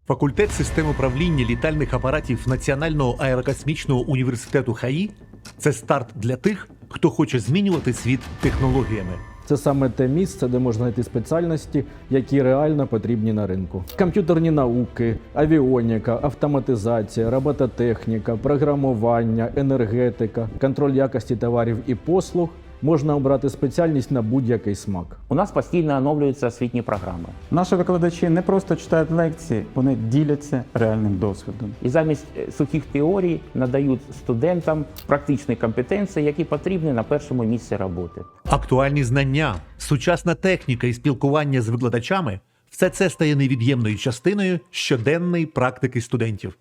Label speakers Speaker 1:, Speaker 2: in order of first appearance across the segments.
Speaker 1: Факультет систем управління літальних апаратів Національного аерокосмічного університету ХАІ – це старт для тих, хто хоче змінювати світ технологіями.
Speaker 2: Це саме те місце, де можна знайти спеціальності, які реально потрібні на ринку. Комп'ютерні науки, авіоніка, автоматизація, робототехніка, програмування, енергетика, контроль якості товарів і послуг. Можна обрати спеціальність на будь-який смак.
Speaker 3: У нас постійно оновлюються освітні програми.
Speaker 4: Наші викладачі не просто читають лекції, вони діляться реальним досвідом.
Speaker 3: І замість сухих теорій надають студентам практичні компетенції, які потрібні на першому місці роботи.
Speaker 1: Актуальні знання, сучасна техніка і спілкування з викладачами – все це стає невід'ємною частиною щоденної практики студентів.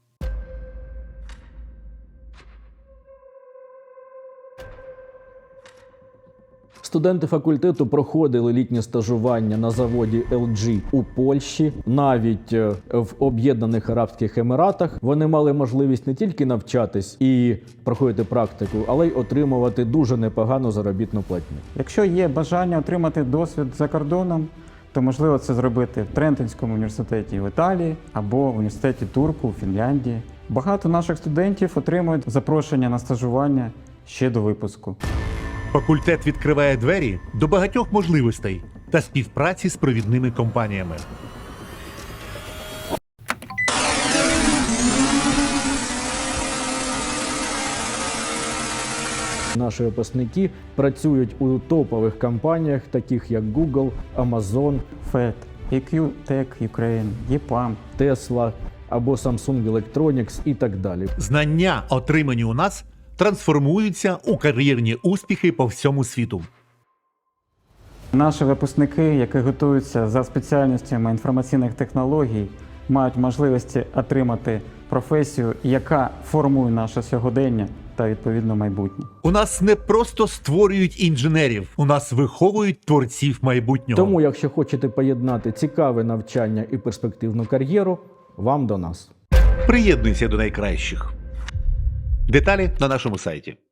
Speaker 2: Студенти факультету проходили літнє стажування на заводі LG у Польщі, навіть в Об'єднаних Арабських Еміратах. Вони мали можливість не тільки навчатись і проходити практику, але й отримувати дуже непогану заробітну платню.
Speaker 4: Якщо є бажання отримати досвід за кордоном, то можливо це зробити в Трентинському університеті в Італії або в університеті Турку у Фінляндії. Багато наших студентів отримують запрошення на стажування ще до випуску.
Speaker 1: Факультет відкриває двері до багатьох можливостей та співпраці з провідними компаніями.
Speaker 2: Наші випускники працюють у топових компаніях, таких як Google, Amazon,
Speaker 4: FED, EQ Tech Ukraine, EPAM.
Speaker 2: Tesla або Samsung Electronics і так далі.
Speaker 1: Знання, отримані у нас, трансформуються у кар'єрні успіхи по всьому світу.
Speaker 4: Наші випускники, які готуються за спеціальностями інформаційних технологій, мають можливості отримати професію, яка формує наше сьогодення та відповідно майбутнє.
Speaker 1: У нас не просто створюють інженерів, у нас виховують творців майбутнього.
Speaker 2: Тому, якщо хочете поєднати цікаве навчання і перспективну кар'єру, вам до нас.
Speaker 1: Приєднуйся до найкращих. Деталі на нашому сайті.